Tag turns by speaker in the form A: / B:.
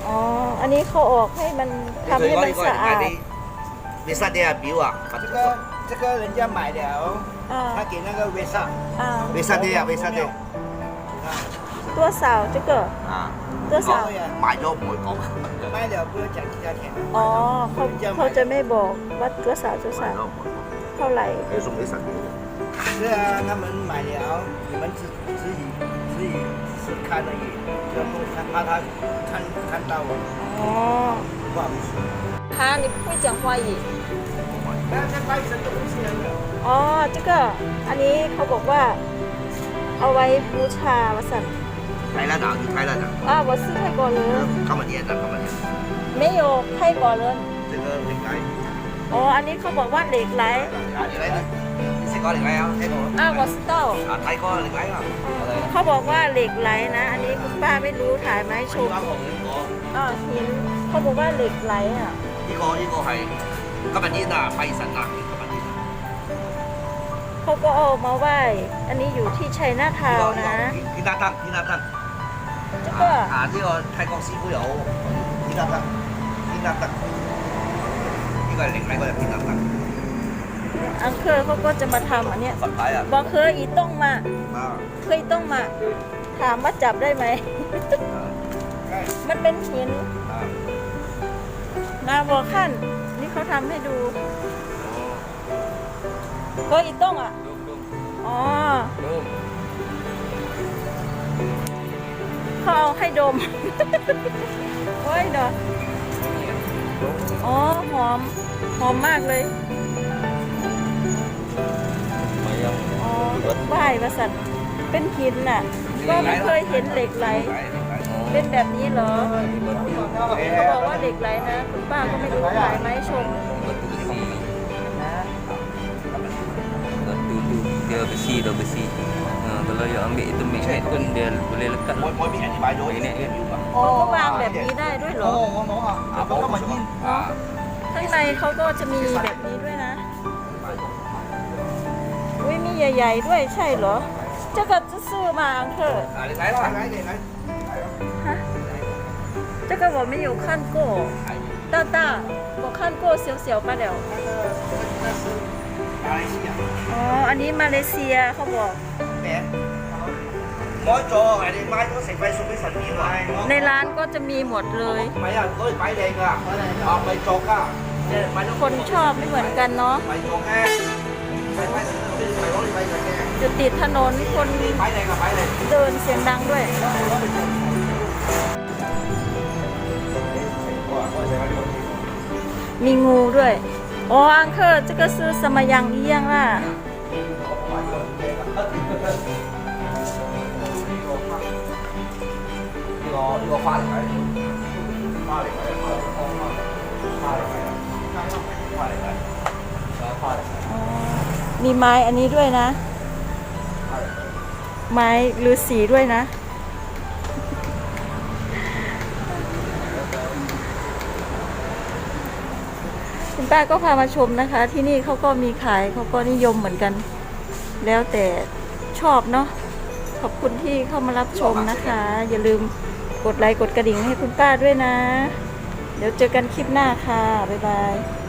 A: อ๋ออันนี้เขาออกให้มันทำให้มันสะอาด
B: 维萨的表啊，
C: 这个人家买了，他给那个维萨，
B: 维萨的啊，维萨的
A: ตัวสาว这个
B: 啊，
A: ตัวสาว
B: 買咗唔會講，
C: 卖了不要讲其他钱。
A: อ๋อเขาจะไม่บอกว่าตัวสาวเท่าไหร่
B: 要送俾神嘅。
C: 是啊，他们买了，你们自己是看而已，就不怕他看到我，
A: อ๋อ
C: 不好意思。
A: 哈你不会讲华语
C: 那这拜神的东西呢？
A: อ๋อ这个อันนี้เขาบอกว่าเอาไว้บูชาวสัน
B: 泰拉岛，去泰拉岛。
A: 我是泰国人
B: 今日演的，今日演。
A: 没有泰国人
B: 這個靈禮。
A: อ๋ออันนี้เขาบอกว่าเหล็กไหล
B: 靈禮呢？你識講靈禮啊？聽過？
A: 我知道
B: 睇過靈禮啊？
A: เขาบอกว่าเหล็กไหลนะ อันนี้คุณป้าไม่รู้ถ่ายมาให้ชมหินเขาบอกว่าเหล็กไหลอ่ะ
B: 呢個係今日演啊，拜神啊，今日演。
A: เขาก็เอามาไหว้อันนี้อยู่ที่ชัยนาทาวน์นะ
B: 天打燈，天打燈。
A: 這個
B: 呢個泰國師傅有天打燈，天打燈。呢個係靈禮嗰隻天打燈。
A: อังเคอร์เขาก็จะมาทำอันเนี้ย
B: 佛牌啊！
A: บอกเคยอีต้องมาเคยต้องมาถามว่าจับได้ไหม มันเป็นหินนาบอขั้นนี่เขาทำให้ดูก็อีต้องอ่ะอ๋อเขาเอาให้ดม โอ้ยเนาะอ๋อหอมมากเลยอ๋อไหว้ประสันเป็นหินน่ะก็ไม่เคยเห็นเหล็กไหลเป็นแบบนี้เหรอเขาบอกว่าเหล็กไหลนะคุณป้าก็ไม่รู้ถ่ายไหมชม
D: dia besi dah besi. Kalau yang ambil itu magnet pun dia boleh lekat. Magnet kan.
A: อ๋อก็วางแบบนี้ได้ด้วยเหรอข้างในเขาก็จะมีแบบนี้ด้วยนะอุ้ยมีใหญ่ๆด้วยใช่เหรอ这个จะซื้อมาอังเถอะฮะ这个我没有看过大大我看过小小罢了อ๋ออันนี้มาเลเซียเขาบอกในร้านก็จะมีหมดเลยคนชอบไม่เหมือนกันเนาะอยู่ติดถนนคนเดินเสียงดังด้วยมีงูด้วยอ๋ออังเคอร์这个是什么样一样啦
B: 呢個花嚟睇，花嚟睇，花嚟睇，
A: มีไม้อันนี้ด้วยนะไม้ฤาษีด้วยนะคุณป้าก็พามาชมนะคะที่นี่เขาก็มีขายเขาก็นิยมเหมือนกันแล้วแต่ชอบเนาะขอบคุณที่เข้ามารับชมนะคะอย่าลืมกดไลค์กดกระดิ่งให้คุณป้าด้วยนะเดี๋ยวเจอกันคลิปหน้าค่ะบ๊ายบาย